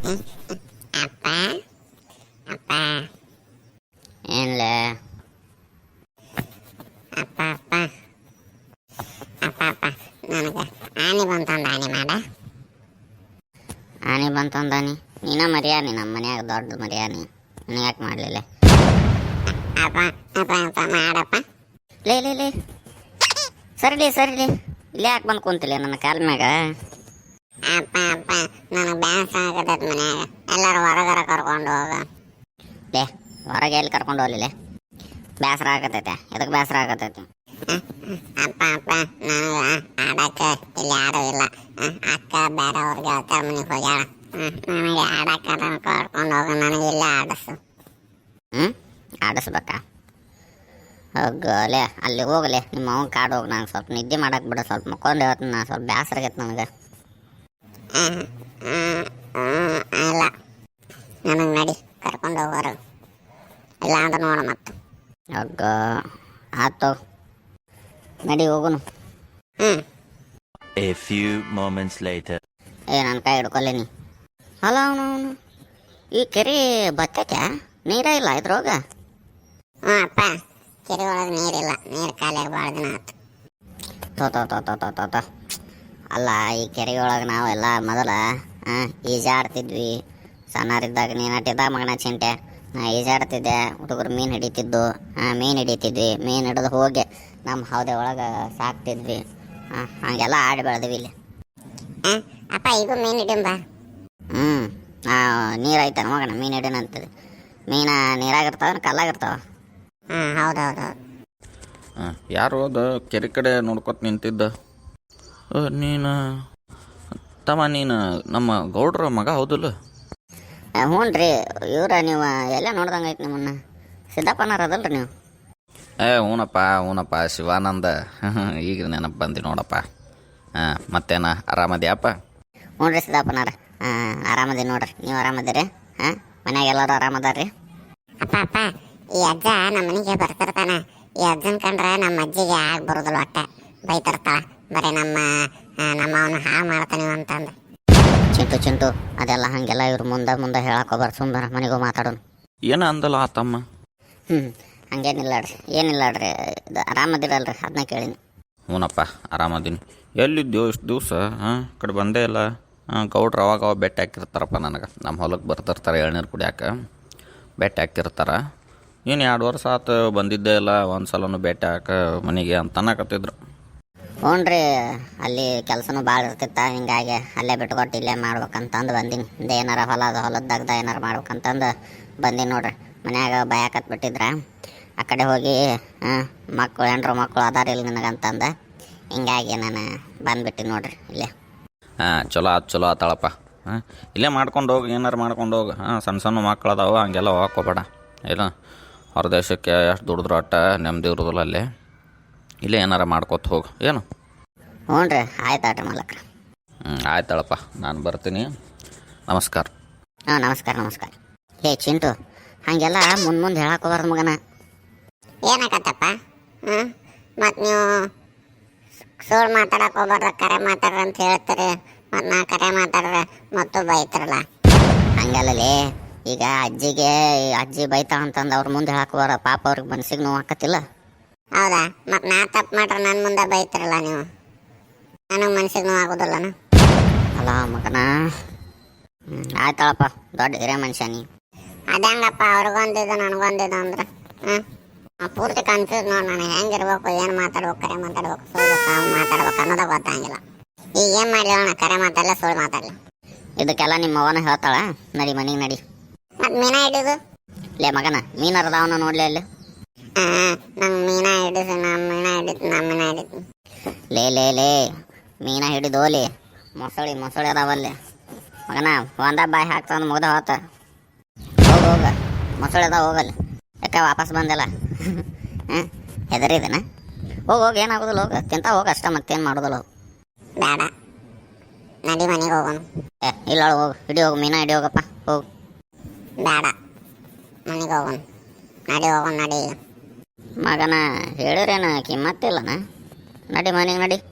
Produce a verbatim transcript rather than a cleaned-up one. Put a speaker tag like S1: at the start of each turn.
S1: ಅಪ್ಪ ಅಪ್ಪ
S2: ಏನ್ಲೆ
S1: ಅಪ್ಪ ಅಪ್ಪ ಅಪ್ಪ ಅಪ್ಪ ನನಗೆ ಆನೆ ಬಂತಂದ ಆನೆ ಮಾಡ
S2: ಆನೆ ಬಂತಂದಾನಿ ನೀನ ಮರ್ಯಾನಿ ನಮ್ಮ ಮನ್ಯಾಗ ದೊಡ್ಡ ಮರ್ಯಾನಿ ನೀನು ಯಾಕೆ ಮಾಡಲಿಲ್ಲ
S1: ಅಪ್ಪ ಅಪ್ಪ ಅಪ್ಪ ಮಾಡಪ್ಪ
S2: ಲೇ ಲೇ ಲೇ ಸರಿಲಿ ಸರಿಲಿ ಇಲ್ಲೇ ಯಾಕೆ ಬಂದು ಕುಂತಿಲ್ಲ ನನ್ನ ಕಾಲ ಮ್ಯಾಗ
S1: ಅಪ್ಪ ಅಪ್ಪ ನನಗೆ ಬ್ಯಾಸ ಆಗತೈತೆ ಮನ್ಯಾಗ ಎಲ್ಲರೂ ಹೊರಗರ ಕರ್ಕೊಂಡು ಹೋಗ
S2: ಲೇ ಹೊರಗೆ ಎಲ್ಲಿ ಕರ್ಕೊಂಡು ಹೋಗ್ಲಿಲ್ಲ ಬೇಸರ ಆಗತೈತೆ ಎದಕ್ಕೆ ಬೇಸರ ಆಗತೈತೆ
S1: ಅಪ್ಪ ಅಪ್ಪ ನನಗೆ ಆಡಕ್ಕೆ ಇಲ್ಲಿ ಯಾರೂ ಇಲ್ಲ ಅಕ್ಕ ಬೇರೆಯವ್ರಿಗೆ ಅಕ್ಕ ಮನೆಗೆ ಹೋಗ್ಯಾಳ ನನಗೆ ಆಡಕ್ಕೆ ಕರ್ಕೊಂಡು ಹೋಗ ನನಗೆ ಇಲ್ಲೇ ಆಡಿಸು
S2: ಹ್ಞೂ ಆಡಿಸ್ಬೇಕಾ ಹೋಗಲೇ ಅಲ್ಲಿ ಹೋಗಲೇ ನಿಮ್ಮ ಅವ್ನ ಕಾಡು ಹೋಗಿ ನಾನು ಸ್ವಲ್ಪ ನಿದ್ದೆ ಮಾಡಕ್ಕೆ ಬಿಡು ಸ್ವಲ್ಪ ಮಕ್ಕೊಂಡು ಹೇಳ್ತೀನಿ ನಾನು ಸ್ವಲ್ಪ ಬೇಸರ ಆಗೈತೆ ನನಗೆ
S1: ಇಲ್ಲ ನನಗೆ ನಡಿ ಕರ್ಕೊಂಡು ಹೋಗೋರು ಇಲ್ಲ ಅಂತ ನೋಡ ಮತ್ತು
S2: ಹೋಗ ಆಯ್ತು ನಡಿ ಹೋಗುನು
S1: ಹ್ಞೂ
S3: A few moments later.
S2: ಏ ನನ್ನ ಕೈ ಹಿಡ್ಕೊಲ್ಲ ನೀ ಅಲ್ಲ ಅವನು ಅವನು ಈ ಕೆರೆ ಬತ್ತೈತೆ ನೀರೇ ಇಲ್ಲ ಇದ್ರೊಳಗೆ
S1: ಹ್ಞೂ ಅಪ್ಪ ಕೆರೆ ಒಳಗೆ ನೀರಿಲ್ಲ ನೀರು ಖಾಲಿಯಾಗಿ ಭಾಳ ದಿನ ಆಯ್ತು
S2: ತೋ ತೋ ತೋ ತೋ ತೋ ತೋ ತೋ ಅಲ್ಲ ಈ ಕೆರೆಯೊಳಗೆ ನಾವೆಲ್ಲ ಮೊದಲ ಈಜಾಡ್ತಿದ್ವಿ ಸಣ್ಣರಿದ್ದಾಗ ನೀನು ಅಟ್ಟಿದ್ದಾಗ ಮಗನ ಚಿಂಟೆ ನಾ ಈಜಾಡ್ತಿದ್ದೆ ಹುಡುಗರು ಮೀನು ಹಿಡಿತಿದ್ದು ಹಾಂ ಮೀನು ಹಿಡಿತಿದ್ವಿ ಮೀನು ಹಿಡಿದು ಹೋಗಿ ನಮ್ಮ ಹೌದೆ ಒಳಗೆ ಸಾಕ್ತಿದ್ವಿ ಹಾಂ ಹಾಗೆಲ್ಲ ಆಡಿ ಬೆಳೆದ್ವಿ ಇಲ್ಲಿ
S1: ಹಾಂ ಅಪ್ಪ ಈಗ ಮೀನು ಹಿಡಿಂಬ
S2: ಹ್ಞೂ ನೀರು ಐತೆ ಮಗನ ಮೀನು ಹಿಡಿನ ಅಂತದೆ ಮೀನು ನೀರಾಗಿರ್ತಾವ ಕಲ್ಲಾಗಿರ್ತಾವ
S1: ಹಾಂ ಹೌದು ಹೌದು ಹೌದು
S4: ಹಾಂ ಯಾರು ಅದು ಕೆರೆ ಕಡೆ ನೋಡ್ಕೊತ ನಿಂತಿದ್ದ ಅ, ನೀನು ತಮ್ಮ ನೀನು ನಮ್ಮ ಗೌಡ್ರ ಮಗ ಹೌದಲ್ಲ
S2: ಹ್ಞೂ ರೀ ಇವ್ರ ನೀವು ಎಲ್ಲ ನೋಡ್ದಂಗೆ ಐತೆ ನಿಮ್ಮನ್ನ ಸಿದ್ದಪ್ಪನಾರ ಅದಲ್ರಿ ನೀವು
S4: ಏ ಹ್ಞೂನಪ್ಪ ಹ್ಞೂನಪ್ಪ ಶಿವಾನಂದ ಈಗ ನೆನಪು ಬಂದು ನೋಡಪ್ಪ ಹಾಂ ಮತ್ತೇನ ಆರಾಮದ್ಯಾಪ್ಪ
S2: ಹ್ಞೂ ರೀ ಸಿದ್ದಪ್ಪನಾರ ಹಾಂ ಆರಾಮದಿ ನೋಡ್ರಿ ನೀವು ಆರಾಮದಿರಿ ಹಾಂ ಮನ್ಯಾಗ ಎಲ್ಲರೂ ಆರಾಮದಾರ್ರಿ
S1: ಅಪ್ಪ ಅಪ್ಪ ಈ ಅಜ್ಜ ನಮ್ಮ ಮನೆಗೆ ಬರ್ತಿರ್ತಾನ ಈ ಅಜ್ಜನ ಕಂಡ್ರೆ ನಮ್ಮ ಅಜ್ಜಿಗೆ ಆಗಿ ಬರೋದಿಲ್ಲ ಒಟ್ಟ ಬೈತಿರ್ತಾಳ ಬರೀ ನಮ್ಮ ನಮ್ಮ ಅವನು ಹಾಳು ಮಾಡ್ತಾನೆ ಅಂತಂದು
S2: ಚಿಂಟು ಚಿಂಟು ಅದೆಲ್ಲ ಹಾಗೆಲ್ಲ ಇವ್ರು ಮುಂದೆ ಮುಂದೆ ಹೇಳಕ್ಕೋಬಾರ್ದು ಸುಮ್ಮನೆ ಮನೆಗೂ ಮಾತಾಡೋಣ
S4: ಏನ ಅಂದಲ್ಲ ಆ ತಮ್ಮ
S2: ಹ್ಞೂ ಹಂಗೇನಿಲ್ಲಾಡ್ರಿ ಏನಿಲ್ಲಾಡ್ರಿ ಇದು ಆರಾಮದಿರಲ್ರಿ ಅದನ್ನ ಕೇಳೀನಿ
S4: ಹ್ಞೂನಪ್ಪ ಆರಾಮದೀನಿ ಎಲ್ಲಿದ್ದೆವು ಇಷ್ಟು ದಿವಸ ಹಾಂ ಕಡೆ ಬಂದೇ ಇಲ್ಲ ಹಾಂ ಗೌಡ್ರು ಅವಾಗ ಅವಾಗ ಬೆಟ್ಟ ಹಾಕಿರ್ತಾರಪ್ಪ ನನಗೆ ನಮ್ಮ ಹೊಲಕ್ಕೆ ಬರ್ತಿರ್ತಾರೆ ಎಳ್ನೀರು ಕುಡಿಯಾಕ ಬೆಟ್ಟ ಹಾಕಿರ್ತಾರೆ ಏನು ಎರಡು ವರ್ಷ ಆತು ಬಂದಿದ್ದೇ ಇಲ್ಲ ಒಂದು ಸಲನೂ ಬೆಟ್ಟ ಹಾಕ ಮನೆಗೆ ಅಂತ ಅನ್ನಕತ್ತಿದ್ರು
S2: ಹ್ಞೂ ರೀ ಅಲ್ಲಿ ಕೆಲಸನೂ ಭಾಳ ಇರ್ತಿತ್ತ ಹಿಂಗಾಗಿ ಅಲ್ಲೇ ಬಿಟ್ಕೊಟ್ಟು ಇಲ್ಲೇ ಮಾಡ್ಬೇಕಂತಂದು ಬಂದೀನಿ ಇಂದ ಏನಾರ ಹೊಲದ ಹೊಲದ್ದಾಗ್ದ ಏನಾರು ಮಾಡ್ಬೇಕಂತಂದು ಬಂದೀನಿ ನೋಡ್ರಿ ಮನ್ಯಾಗ ಭಯಕತ್ ಬಿಟ್ಟಿದ್ರ ಆ ಕಡೆ ಹೋಗಿ ಹಾಂ ಮಕ್ಕಳು ಹೆಣ್ರು ಮಕ್ಕಳು ಅದಾರ ಇಲ್ಲ ನಿನಗಂತಂದು ಹಿಂಗಾಗಿ ನಾನು ಬಂದುಬಿಟ್ಟಿನಿ ನೋಡ್ರಿ ಇಲ್ಲೇ
S4: ಹಾಂ ಚಲೋ ಆತು ಚಲೋ ಆತಾಳಪ್ಪ ಹಾಂ ಇಲ್ಲೇ ಮಾಡ್ಕೊಂಡು ಹೋಗಿ ಏನಾರು ಮಾಡ್ಕೊಂಡು ಹೋಗಿ ಹಾಂ ಸಣ್ಣ ಸಣ್ಣ ಮಕ್ಳು ಅದಾವ ಹಂಗೆಲ್ಲ ಹೋಗ್ಕೋಬೇಡ ಇಲ್ಲ ಹೊರದೇಶಕ್ಕೆ ಎಷ್ಟು ದುಡಿದ್ರು ಅಟ್ಟ ನೆಮ್ಮದಿ ಇರೋದಿಲ್ಲ ಅಲ್ಲೇ ಇಲ್ಲೇ ಏನಾರ ಮಾಡ್ಕೊತ ಹೋಗು ಏನು
S2: ಹ್ಞೂ ರೀ ಆಯ್ತು ಆಟ್ರಿ ಮಾಲಕ್ರ
S4: ಹ್ಞೂ ಆಯ್ತಾಳಪ್ಪ ನಾನು ಬರ್ತೀನಿ ನಮಸ್ಕಾರ
S2: ಹಾಂ ನಮಸ್ಕಾರ ನಮಸ್ಕಾರ ಹೇ ಚಿಂಟು ಹಾಗೆಲ್ಲ ಮುಂದೆ ಮುಂದೆ ಹೇಳಕ್ಕೋಬಾರ್ದು ಮಗನ
S1: ಏನಾಕತ್ತಪ್ಪ ಹ್ಞೂ ಮತ್ತು ನೀವು ಸುಳ್ಳು ಮಾತಾಡಕ್ಕೆ ಹೋಗ್ಬಾರ್ದು ಕರೆ ಮಾತಾಡ್ರಿ ಅಂತ ಹೇಳ್ತೀರಿ ಮತ್ತು ನಾ ಕರೆ ಮಾತಾಡ್ರೆ ಮತ್ತು ಬೈತಾರಲ್ಲ
S2: ಹಂಗಲ್ಲಲೇ ಈಗ ಅಜ್ಜಿಗೆ ಅಜ್ಜಿ ಬೈತಾ ಅಂತಂದು ಅವ್ರ ಮುಂದೆ ಹೇಳಕ್ಕೋಬಾರ ಪಾಪ ಅವ್ರಿಗೆ ಮನ್ಸಿಗೆ ನೋವು ಆಕತ್ತಿಲ್ಲ
S1: ಹೌದಾ ಮತ್ತು ನಾ ತಪ್ಪು ಮಾಡ್ರೆ ನನ್ನ ಮುಂದೆ ಬೈತಾರಲ್ಲ ನೀವು ನನಗೆ ಮನ್ಸಿಗೆ ನೋವು ಆಗೋದಿಲ್ಲನ
S2: ಅಲ್ಲ ಮಗನ ಹ್ಞೂ ಆಯ್ತಾಳಪ್ಪ ದೊಡ್ಡ ಹಿರಿಯ ಮನುಷ್ಯ ನೀ
S1: ಅದಂಗಪ್ಪ ಅವ್ರಿಗೊಂದಿದ್ದು ನನಗೊಂದಿದ್ದು ಅಂದ್ರೆ ಹ್ಞೂ ಪೂರ್ತಿ ಕನ್ಫ್ಯೂಸ್ ನೋಡಿ ನನಗೆ ಹೆಂಗಿರ್ಬೇಕು ಏನು ಮಾತಾಡ್ಬೇಕು ಕರೆ ಮಾತಾಡ್ಬೇಕು ಸುಳ್ಳು ಸಾವು ಮಾತಾಡ್ಬೇಕು ಅನ್ನೋದು ಗೊತ್ತಾಗಿಲ್ಲ ಈಗ ಏನು ಮಾಡಲಿ ಅಣ್ಣ ಕರೆ ಮಾತಾಡಲ್ಲ ಸುಳ್ಳು ಮಾತಾಡಲಿ
S2: ಇದಕ್ಕೆಲ್ಲ ನಿಮ್ಮ ಅವನ ಹೇಳ್ತಾಳ ನಡಿ ಮನೆಗೆ ನಡಿ
S1: ಮತ್ತು ಮೀನ ಹಿಡಿದು
S2: ಲೇ ಮಗನ ಮೀನರದವನ ನೋಡ್ಲಿ ಅಲ್ಲಿ
S1: ಹಾಂ ನಂಗೆ ಮೀನ ಹಿಡಿದು ನಮ್ಮ ಮೀನ ಹಿಡಿತು ನಮ್ಮ ಮೀನ ಹಿಡಿತು
S2: ಲೇ ಲೇ ಲೇ ಮೀನ ಹಿಡಿದೋಲಿ ಮೊಸಳಿ ಮೊಸಳಿ ಅದಾವಲ್ಲಿ ಮಗನ ಒಂದ ಬಾಯಿ ಹಾಕ್ತಾನ ಮುಗ್ದ ಹೋತ ಹೋಗ ಹೋಗ ಮೊಸಳಿ ಅದಾವ ಹೋಗಲ್ಲಿ ಯಾಕೆ ವಾಪಸ್ ಬಂದಿಲ್ಲ ಹಾಂ ಹೆದರಿದನ ಹೋಗಿ ಹೋಗಿ ಏನಾಗೋದಿಲ್ಲ ಹೋಗ ತಿಂತ ಹೋಗ ಅಷ್ಟ ಮತ್ತೇನು ಮಾಡೋದಿಲ್ಲ ಹೋಗು
S1: ಬೇಡ ನಡಿ ಮನೆಗೆ ಹೋಗೋಣ
S2: ಏ ಇಲ್ಲ ಹೋಗು ಹಿಡಿ ಹೋಗು ಮೀನ ಹಿಡಿ ಹೋಗಪ್ಪ ಹೋಗು
S1: ಬೇಡ ಮನೆಗೆ ಹೋಗೋಣ ನಡಿ ಹೋಗೋಣ ನಡಿ ಈಗ
S2: ಮಗನ ಹೇಳಿರೇನ ಕಿಮ್ಮತ್ತಿಲ್ಲನ ನಡಿ ಮನೆಗೆ ನಡಿ